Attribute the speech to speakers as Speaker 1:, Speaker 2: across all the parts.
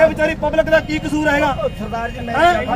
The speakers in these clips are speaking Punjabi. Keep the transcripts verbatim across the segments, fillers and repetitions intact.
Speaker 1: ਇਹ ਵਿਚਾਰੀ ਪਬਲਿਕ ਦਾ ਕੀ ਕਸੂਰ ਹੈਗਾ ਸਰਦਾਰ ਜੀ?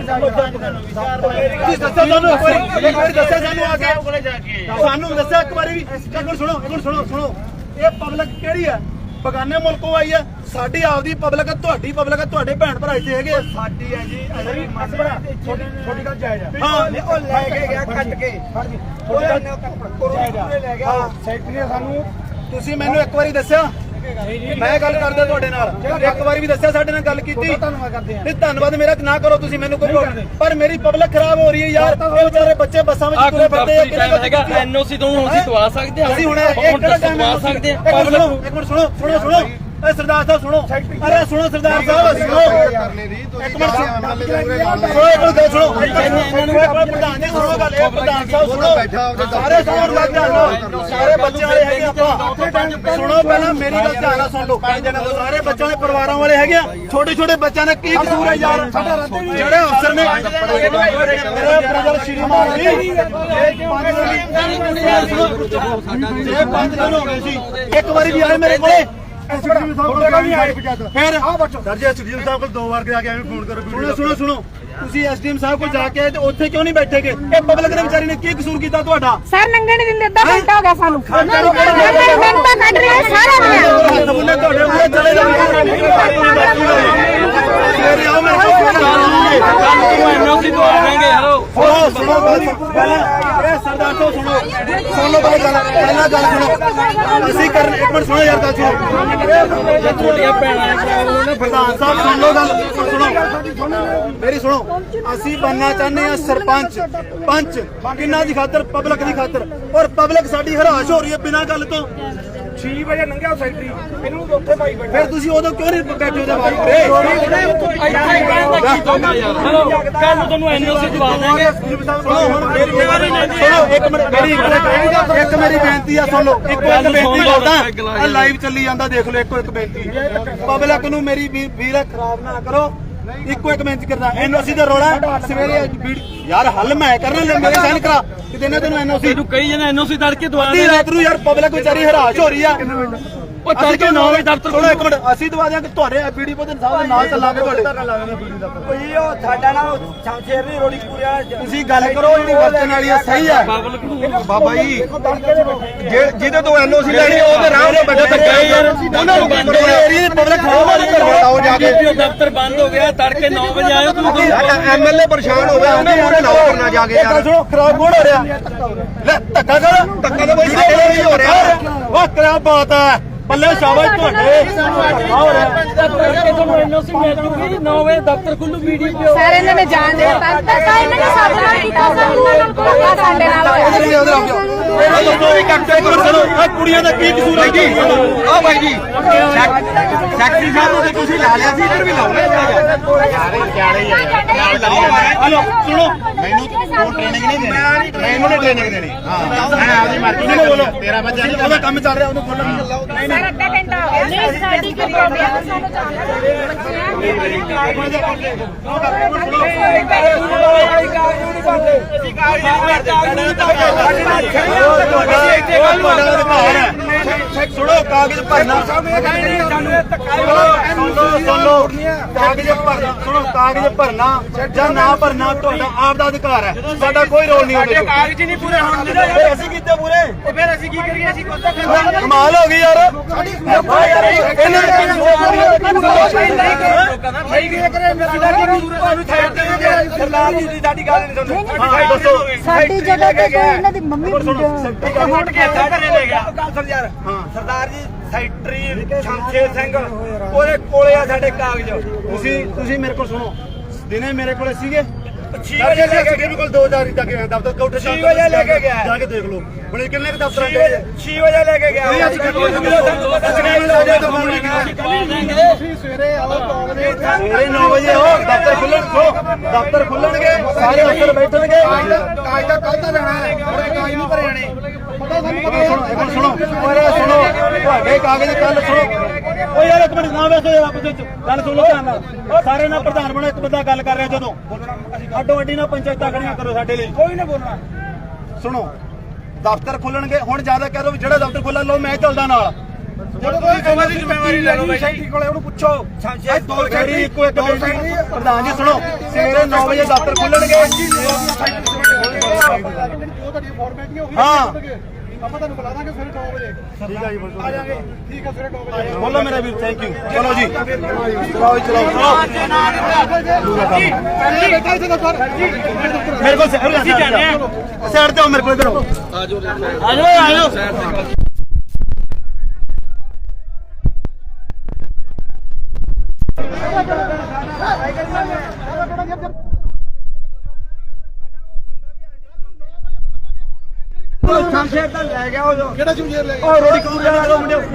Speaker 1: ਦੱਸਿਆ ਸਾਨੂੰ ਇੱਕ ਵਾਰੀ, ਦੱਸਿਆ ਸਾਨੂੰ ਆ ਕੇ, ਸਾਨੂੰ ਦੱਸਿਆ ਇੱਕ ਵਾਰੀ ਵੀ। ਇੱਕ ਮਿੰਟ ਸੁਣੋ, ਇੱਕ ਮਿੰਟ ਸੁਣੋ ਸੁਣੋ ਇਹ ਪਬਲਿਕ ਕਿਹੜੀ ਹੈ? ਬਗਾਨੇ ਮੁਲਕੋਂ ਆਈ ਹੈ। ਸਾਡੀ ਆਪਦੀ ਪਬਲਿਕ ਹੈ, ਤੁਹਾਡੀ ਪਬਲਿਕ ਹੈ, ਤੁਹਾਡੇ ਭੈਣ ਭਰਾ ਇੱਥੇ ਹੈਗੇ। ਸਾਡੀ ਹੈ ਜੀ, ਛੋਟੀ ਗੱਲ ਜਾਇਜ਼ ਹੈ। ਹਾਂ ਉਹ ਲੈ ਕੇ ਗਿਆ ਕੱਟ ਕੇ, ਛੋਟੀ ਗੱਲ ਲੈ ਗਿਆ ਸੈਕਟਰੀ ਨੇ ਸਾਨੂੰ। ਤੁਸੀਂ ਮੈਨੂੰ ਇੱਕ ਵਾਰੀ ਦੱਸਿਆ, ਮੈਂ ਗੱਲ ਕਰਦਾ ਤੁਹਾਡੇ ਨਾਲ, ਇੱਕ ਵਾਰੀ ਵੀ ਦੱਸਿਆ ਸਾਡੇ ਨਾਲ ਗੱਲ ਕੀਤੀ। ਧੰਨਵਾਦ ਕਰਦੇ ਆ। ਧੰਨਵਾਦ ਮੇਰਾ ਨਾ ਕਰੋ ਤੁਸੀਂ ਮੈਨੂੰ ਕੋਈ, ਪਰ ਮੇਰੀ ਪਬਲਿਕ ਖਰਾਬ ਹੋ ਰਹੀ ਹੈ ਯਾਰ। ਇਹ ਵਿਚਾਰੇ ਬੱਚੇ ਬੱਸਾਂ ਵਿੱਚ ਤੁਰੇ ਫਿਰਦੇ ਆ।
Speaker 2: ਐਨਓਸੀ ਤੋਂ ਹੁਣ ਅਸੀਂ ਦਵਾ ਸਕਦੇ ਹਾਂ,
Speaker 1: ਅਸੀਂ ਹੁਣ ਇੱਕ ਦਵਾ ਸਕਦੇ ਹਾਂ। ਇੱਕ ਮਿੰਟ ਸੁਣੋ ਸੁਣੋ ਸੁਣੋ ਇਹ ਸਰਦਾਰ ਸਾਹਿਬ ਸੁਣੋ, ਅਰੇ ਸੁਣੋ ਸਰਦਾਰ ਸਾਹਿਬ ਸੁਣੋ, ਇੱਕ ਮਿੰਟ ਸੁਣੋ, ਇੱਕ ਮਿੰਟ ਗੱਲ ਸੁਣੋ, ਪ੍ਰਧਾਨ ਜੀ ਸੁਣੋ ਗੱਲ। ਇਹ ਪ੍ਰਧਾਨ ਸਾਹਿਬ ਸੁਣੋ, ਸਾਰੇ ਸੁਣੋ ਗੱਲ ਧਿਆਨ, ਸਾਰੇ ਬੱਚਿਆਂ ਵਾਲੇ ਹੈਗੇ ਆਪਾਂ। ਸੁਣੋ ਪਹਿਲਾਂ ਮੇਰੀ ਗੱਲ ਧਿਆਨ ਨਾਲ ਸੁਣ ਲਓ। ਸਾਰੇ ਬੱਚਿਆਂ ਦੇ ਪਰਿਵਾਰਾਂ ਵਾਲੇ ਹੈਗੇ ਆ। ਛੋਟੇ ਛੋਟੇ ਬੱਚਿਆਂ ਦਾ ਕੀ ਕਸੂਰ ਹੈ ਯਾਰ? ਜਿਹੜੇ ਅਫਸਰ ਨੇ ਸ਼੍ਰੀਮਾਨ ਜੀ ਜੇ ਪੰਜ ਦਿਨ ਹੋ ਗਏ ਸੀ, ਇੱਕ ਵਾਰੀ ਵੀ ਆਏ ਮੇਰੇ ਕੋਲੇ ਫਿਰ ਐਸਡੀਐਮ ਸਾਹਿਬ ਕੋਲ ਦੋ ਵਾਰ ਜਾ ਕੇ ਐਵੇਂ ਫੋਨ ਕਰੋ। ਸੁਣੋ ਸੁਣੋ ਸੁਣੋ ਤੁਸੀਂ ਐਸਡੀਐਮ ਸਾਹਿਬ ਕੋਲ ਜਾ ਕੇ ਆਏ ਤੇ ਉੱਥੇ ਕਿਉਂ ਨਹੀਂ ਬੈਠੇਗੇ? ਇਹ ਪਬਲਿਕ ਨੇ ਵਿਚਾਰੀ ਨੇ ਕੀ ਕਸੂਰ ਕੀਤਾ ਤੁਹਾਡਾ?
Speaker 3: ਸਰ ਨੰਗੇ ਨਹੀਂ ਦਿੰਦੇ, ਅੱਧਾ ਘੰਟਾ ਹੋ ਗਿਆ ਸਾਨੂੰ। ਮਿੰਟਾਂ ਕੱਢ ਰਹੇ ਸਾਰੇ
Speaker 1: ਤੁਹਾਡੇ ਮੂਹਰੇ ਚਲੇ ਜਾਣਗੇ। ਆਓ ਮੇਰੇ
Speaker 2: ਐਨਓਸੀ ਤੋਂ ਆਵਾਂਗੇ। ਹੈਲੋ
Speaker 1: ਸੁਣੋ ਸੁਣੋ ਪਹਿਲਾਂ ਇਹ ਸਰਦਾਰ ਤੋਂ ਸੁਣੋ ਸੁਣ ਲਓ ਗੱਲ ਪਹਿਲਾਂ ਗੱਲ ਸੁਣੋ। ਅਸੀਂ ਕਰਨ ਇੱਕ ਮਿੰਟ ਸੁਣੋ ਯਾਰ ਗੱਲ ਸੁਣੋ।
Speaker 2: ਤੁਹਾਡੀਆਂ ਭੈਣਾਂ ਨੇ
Speaker 1: ਪ੍ਰਧਾਨ ਸਾਹਿਬ ਸੁਣ ਲਓ ਗੱਲ ਸੁਣੋ ਮੇਰੀ ਸੁਣੋ। ਅਸੀਂ ਬਣਨਾ ਚਾਹੁੰਦੇ ਹਾਂ ਸਰਪੰਚ ਪੰਚ, ਕਿੰਨਾ ਦੀ ਖਾਤਰ? ਪਬਲਿਕ ਦੀ ਖਾਤਰ। ਔਰ ਪਬਲਿਕ ਸਾਡੀ ਹਰਾਸ਼ ਹੋ ਰਹੀ ਹੈ ਬਿਨਾਂ ਗੱਲ ਤੋਂ। ਛੇ ਵਜੇ ਲੰਘਿਆ ਸੈਕਟਰੀ ਇਹਨੂੰ ਉੱਥੇ ਪਾਈ ਬੈਠੇ, ਫਿਰ ਤੁਸੀਂ ਉਦੋਂ ਕਿਉਂ ਨਹੀਂ ਬੈਠੇ ਉਹਦੇ ਬਾਰੇ?
Speaker 2: ਹੈਲੋ ਕੱਲ ਨੂੰ ਤੁਹਾਨੂੰ ਐਨਓਸੀ ਦਵਾ ਦਾਂਗੇ।
Speaker 1: ਸੁਣੋ ਇੱਕ ਮਿੰਟ ਮੇਰੀ ਇੱਕ ਮੇਰੀ ਬੇਨਤੀ ਆ, ਸੁਣ ਲਓ ਇੱਕੋ ਇੱਕ ਬੇਨਤੀ ਕਰਦਾ। ਲਾਈਵ ਚੱਲੀ ਜਾਂਦਾ ਦੇਖ ਲਓ। ਇੱਕੋ ਇੱਕ ਬੇਨਤੀ ਪਬਲਿਕ ਨੂੰ ਮੇਰੀ ਵੀਰ ਖਰਾਬ ਨਾ ਕਰੋ। ਇੱਕੋ ਇੱਕ ਬੇਨਤੀ ਕਰਦਾ, ਐਨਓਸੀ ਦਾ ਰੌਲਾ ਸਵੇਰੇ ਯਾਰ ਹੱਲ ਮੈਂ ਕਰਨਾ, ਮੇਰੇ ਸਾਈਨ ਕਰਾ ਕਿਤੇ ਨਾ ਤੈਨੂੰ ਐਨਓਸੀ
Speaker 2: ਤੂੰ ਕਹੀ ਜਣਾ ਐਨਓਸੀ ਤੜਕੇ ਦਵਾ
Speaker 1: ਦੇ। ਰਾਤ ਨੂੰ ਯਾਰ ਪਬਲਿਕ ਵਿਚਾਰੀ ਹਰਾਸ਼ ਹੋ ਰਹੀ ਆ।
Speaker 2: ਉਹ ਤੜਕੇ ਨੌ ਵਜੇ ਦਫ਼ਤਰ
Speaker 1: ਕੋਲ ਇੱਕ ਮਿੰਟ ਅਸੀਂ ਦਵਾ ਦਿਆਂਗੇ ਤੁਹਾਡੇ ਬੀਡੀਪੋ ਦੇ ਸਾਹਿਬ ਦੇ ਨਾਲ ਚੱਲਾਂਗੇ ਤੁਹਾਡੇ। ਕੋਈ ਉਹ ਸਾਡਾ ਨਾ ਸ਼ਮਸ਼ੇਰ ਦੀ ਰੋੜੀ ਪੂਰਿਆ ਤੁਸੀਂ ਗੱਲ ਕਰੋ ਜਿਹੜੀ ਵਰਤਣ ਵਾਲੀ ਆ ਸਹੀ ਆ ਬਾਬਾ ਜੀ। ਜਿਹਦੇ ਤੋਂ ਐਨਓਸੀ ਲੈਣੀ ਉਹਦੇ ਰਾਹ ਤੇ ਬੈਠੇ ਧੱਕੇ ਯਾਰ ਉਹਨਾਂ ਨੂੰ ਕਰੋ। ਏਰੀਆ ਦੀ ਪਬਲਿਕ ਖਰਾਬ ਹੋ ਰਹੀ ਹੈ। ਆਓ ਜਾ ਕੇ
Speaker 2: ਦਫ਼ਤਰ ਬੰਦ ਹੋ ਗਿਆ, ਤੜਕੇ ਨੌ ਵਜੇ ਆਇਓ। ਤੂੰ
Speaker 1: ਐਮਐਲਏ ਪਰੇਸ਼ਾਨ ਹੋ ਗਿਆ, ਉਹਨੇ ਮੂਹਰੇ ਲਾਓ ਕਰਨਾ ਜਾ ਕੇ ਯਾਰ। ਸੁਣੋ ਖਰਾਬ ਕੌਣ ਹੋ ਰਿਹਾ? ਲੈ ਧੱਕਾ ਕਰ ਧੱਕਾ ਤਾਂ ਬਈ ਸਾਡੇ ਨਾਲ ਹੀ ਹੋ ਰਿਹਾ। ਵਾਹ ਕਿਆ ਬਾਤ ਹੈ, ਬੱਲੇ ਸ਼ਾਬਾਸ਼ ਤੁਹਾਡੇ। ਹੋ ਰਿਹਾ
Speaker 2: ਤੜਕੇ ਤੁਹਾਨੂੰ ਐਨਓਸੀ ਮਿਲ ਜੂਗੀ, ਨੌ ਵਜੇ ਦਫ਼ਤਰ ਖੁੱਲੂ। ਵੀਡੀਓ
Speaker 3: ਸਾਰੇ ਇਹਨਾਂ ਨੇ ਜਾਣ ਦੇ ਦਿੱਤਾ, ਤਾਂ ਇਹਨਾਂ ਨੇ ਸਾਡੇ ਨਾਲ ਕੀਤਾ, ਸਾਡੇ ਨਾਲ ਹੋਇਆ।
Speaker 1: ਕੁੜੀਆਂ ਦਾ ਕੀ ਕਸੂਰ ਹੈ ਜੀ? ਆਹ ਬਾਈ ਜੀ ਸੈਕਟਰੀ ਸਾਹਿਬ ਨੂੰ ਤੁਸੀਂ ਲਾ ਲਿਆ ਸੀ, ਇੱਧਰ ਵੀ ਲਾਉਣਾ ਹਲੋ ਸੁਣੋ। ਮੈਨੂੰ ਕੋਈ ਟ੍ਰੇਨਿੰਗ ਨਹੀਂ ਦੇਣੀ, ਮੈਨੂੰ ਨਹੀਂ ਟ੍ਰੇਨਿੰਗ ਦੇਣੀ। ਹਾਂ ਮੈਂ ਆਪਦੀ ਮਰਜ਼ੀ ਨਾਲ ਬੋਲੋ। ਤੇਰਾ ਬੱਚਾ ਨਹੀਂ ਉਹਦਾ ਕੰਮ ਚੱਲ ਰਿਹਾ, ਉਹਨੂੰ ਬੋਲਣ ਨਹੀਂ ਚੱਲਦਾ। ਨਹੀਂ ਨਹੀਂ
Speaker 3: ਅੱਧਾ ਘੰਟਾ ਹੋ ਗਿਆ। ਨਹੀਂ ਸਾਡੀ ਕੋਈ ਪ੍ਰੋਬਲਮ ਹੈ, ਸਾਨੂੰ
Speaker 1: ਸੁਣੋ ਕਾਗਜ਼ ਭਰਨਾ ਕਾਗਜ਼ ਭਰਨਾ ਸੁਣੋ ਕਾਗਜ਼ ਭਰਨਾ ਜਾਂ ਨਾ ਭਰਨਾ ਤੁਹਾਡਾ ਆਪ ਦਾ ਅਧਿਕਾਰ ਹੈ। ਸਾਡਾ ਕੋਈ ਰੋਲ ਨਹੀਂ ਉਹਦੇ
Speaker 2: ਕਾਗਜ਼ ਨਹੀਂ ਪੂਰੇ ਹੋਣ ਦਿੰਦੇ।
Speaker 1: ਫਿਰ ਅਸੀਂ ਕੀਤੇ ਪੂਰੇ,
Speaker 2: ਫਿਰ ਅਸੀਂ ਕੀ ਕਰੀਏ? ਅਸੀਂ
Speaker 1: ਕਮਾਲ ਹੋ ਗਈ ਯਾਰ।
Speaker 3: ਸਾਡੀ ਜਗ੍ਹਾ ਤੇ ਕੋਈ ਇਹਨਾਂ ਦੀ ਮੰਮੀ
Speaker 1: ਸਰਦਾਰ ਜੀ ਸੈਕਟਰੀ ਸ਼ਮਸ਼ੇਰ ਸਿੰਘ ਉਹਦੇ ਕੋਲੇ ਆ ਸਾਡੇ ਕਾਗਜ਼। ਤੁਸੀਂ ਤੁਸੀਂ ਮੇਰੇ ਕੋਲ ਸੁਣੋ, ਦਿਨੇ ਮੇਰੇ ਕੋਲੇ ਸੀਗੇ ਛੇ ਵਜੇ ਲੈ ਕੇ ਗਏ। ਕੋਲ ਦੋ ਹਜ਼ਾਰ ਤੱਕ ਦਫ਼ਤਰ ਕੋਠੇ ਛੇ ਵਜੇ ਲੈ ਕੇ ਗਿਆ, ਜਾ ਕੇ ਦੇਖ ਲਓ ਬੜੇ ਕਿੰਨੇ ਦਫ਼ਤਰ ਛੇ ਵਜੇ ਲੈ ਕੇ ਗਿਆ। ਸਵੇਰੇ ਨੌ ਵਜੇ ਹੋ ਦਫ਼ਤਰ ਖੁੱਲਣ ਦਫ਼ਤਰ ਖੁੱਲਣਗੇ, ਸਾਰੇ ਅਫਸਰ ਬੈਠਣਗੇ। ਕਾਗਜ਼ ਤਾਂ ਕੱਲ ਤਾਂ ਲੈਣਾ ਹੈ, ਕਾਗਜ਼ ਨਹੀਂ ਭਰੇ ਜਾਣੇ। ਸੁਣੋ ਸੁਣੋ ਸੁਣੋ ਤੁਹਾਡੇ ਕਾਗਜ਼ ਕੱਲ ਸੁਣੋ। ਉਹ ਯਾਰ ਇੱਕ ਮਿੰਟ ਨਾ ਵੇਸੋ ਯਾਰ, ਆਪਸ ਵਿੱਚ ਗੱਲ ਸੁਣੋ ਧਿਆਨ ਨਾਲ। ਸਾਰੇ ਨਾਲ ਪ੍ਰਧਾਨ ਬਣੋ, ਇੱਕ ਬੰਦਾ ਗੱਲ ਕਰ ਰਿਹਾ ਜਦੋਂ ਅੱਡੋ ਅੱਡੀ ਨਾਲ ਪੰਚਾਇਤਾਂ ਖੜੀਆਂ ਕਰੋ ਸਾਡੇ ਲਈ, ਕੋਈ ਨਾ ਬੋਲਣਾ। ਸੁਣੋ ਦਫ਼ਤਰ ਖੁੱਲਣਗੇ, ਹੁਣ ਜ਼ਿਆਦਾ ਕਹਿ ਦੋ ਵੀ ਜਿਹੜਾ ਦਫ਼ਤਰ ਖੁੱਲ੍ਹਾ ਲਓ ਮੈਂ ਚੱਲਦਾ ਨਾਲ। ਜਦੋਂ ਤੁਸੀਂ ਸੇਵਾ ਦੀ ਜ਼ਿੰਮੇਵਾਰੀ ਲੈ ਲਓ ਬਾਈ ਜੀ ਕੋਲੇ ਉਹਨੂੰ ਪੁੱਛੋ ਇਹ ਦੋ ਸਾਈਡ ਇੱਕੋ ਇੱਕ ਬੇਨਤੀ ਪ੍ਰਧਾਨ ਜੀ ਸੁਣੋ ਸਵੇਰੇ ਨੌ ਵਜੇ ਦਫ਼ਤਰ ਖੁੱਲਣਗੇ ਹਾਂ ਆਪਾਂ ਤੁਹਾਨੂੰ ਬੁਲਾ ਦਾਂਗੇ ਸਵੇਰੇ ਨੌ ਵਜੇ ਠੀਕ ਹੈ ਜੀ ਆ ਜਾਾਂਗੇ ਠੀਕ ਹੈ ਸਵੇਰੇ ਨੌ ਵਜੇ ਬੋਲੋ ਮੇਰਾ ਵੀਰ ਥੈਂਕ ਯੂ ਚਲੋ ਜੀ ਚਲਾਓ ਜੀ ਚਲਾਓ ਚਲੋ ਮੇਰੇ ਕੋਲ ਸਾਈਡ ਤੇ ਆਓ ਮੇਰੇ ਕੋਲ ਇਧਰ ਆਓ ਆ ਜਾਓ ਆ ਜਾਓ ਸ਼ਮਸ਼ੇਰ ਤਾਂ ਲੈ ਗਿਆ ਉਹ ਕਿਹੜਾ ਸ਼ਮਸ਼ੇਰ ਲੈ ਗਿਆ ਉਹ ਰੋੜੀ ਕੂਰ ਲੈ ਗਿਆ ਮੁੰਡੇ